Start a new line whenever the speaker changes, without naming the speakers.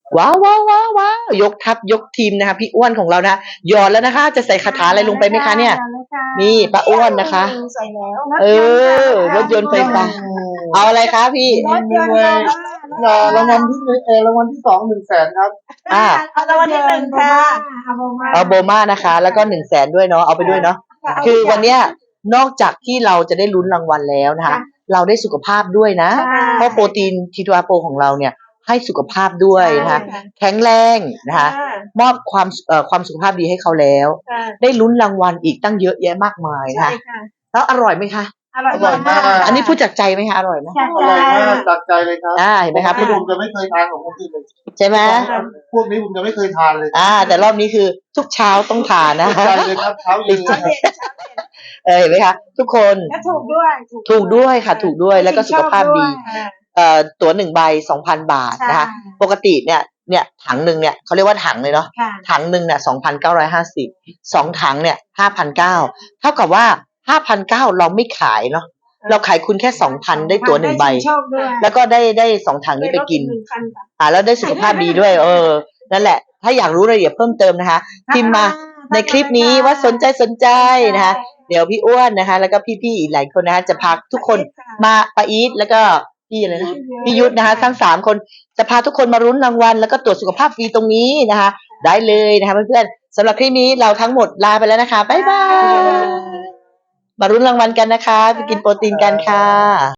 ว้าวว้าวว้าวว้าวยกทัพยกทีมนะคะพี่อ้วนของเรานะหยอดแล้วนะคะ จะใส่คาถาอะไรลงไปไหมคะเนี่ยนี่ป้าอ้วนนะคะ
ใส่แล้ว
เออรถยนต์ไฟฟ้าเอาอะไรคะพี่
รถยนต์เลย
รางวัลที่รางวัลที่2 100,000ครับ
เอารางวัลที่หนึ่งค่ะ
เอาโบมานะคะ แล้วก็100,000ด้วยเนาะเอาไปด้วยเนาะคือวันเนี้ยนอกจากที่เราจะได้ลุ้นรางวัลแล้วนะคะ เราได้สุขภาพด้วยนะเพราะโปรตีนทีทูอาโปของเราเนี่ยให้สุขภาพด้วยนะคะแข็งแรงนะคะมอบความสุขภาพดีให้เขาแล้ว ได้ลุ้นรางวัลอีกตั้งเยอะแยะมากมายนะคะแล้วอร่อยไหมคะ
อร่อยมาก
อันนี้พูดจากใจไหมคะอร่อยไหม
อร่อยมากจากใจเลยครับ
เห็นไหมครับ
ผมจะไม่เคยทานของคนอื่นเลย
ใช่ไหม
พวกนี้ผมจะไม่เคยทานเลย
แต่รอบนี้คือทุกเช้าต้องทานนะ
ใจเลยครับเช้าเย็น
เห็นไหมคะทุกคน
ถูกด้วย
ค่ะถูกด้วยแล้วก็สุขภาพดีตั๋ว1 ใบ 2,000 บาทนะคะปกติเนี่ยถังหนึ่งเนี่ยเขาเรียกว่าถังเลยเนาะถังหนึ่งเนี่ย2,950 2 ถังเนี่ย5,900เท่ากับว่า5,900เราไม่ขายเนาะเราขายคุณแค่ 2,000 ได้ตั๋ว1 ใบแล้วก็ได้2 ถังนี้ไปกินแล้วได้สุขภาพดีด้วยนั่นแหละถ้าอยากรู้รายละเอียดเพิ่มเติมนะคะพิมพ์มาในคลิปนี้ว่าสนใจนะคะเดี๋ยวพี่อ้วนนะคะแล้วก็พี่ๆอีกหลายคนนะคะจะพาทุกคนมาป้าอีทแล้วก็พี่อะไรนะพี่ยุทธนะคะทั้ง3 คนจะพาทุกคนมารุ้นรางวัลแล้วก็ตรวจสุขภาพฟรีตรงนี้นะคะได้เลยนะคะเพื่อนๆสำหรับคลิปนี้เราทั้งหมดลาไปแล้วนะคะบ๊ายบายมารุ้นรางวัลกันนะคะไปกินโปรตีนกันค่ะ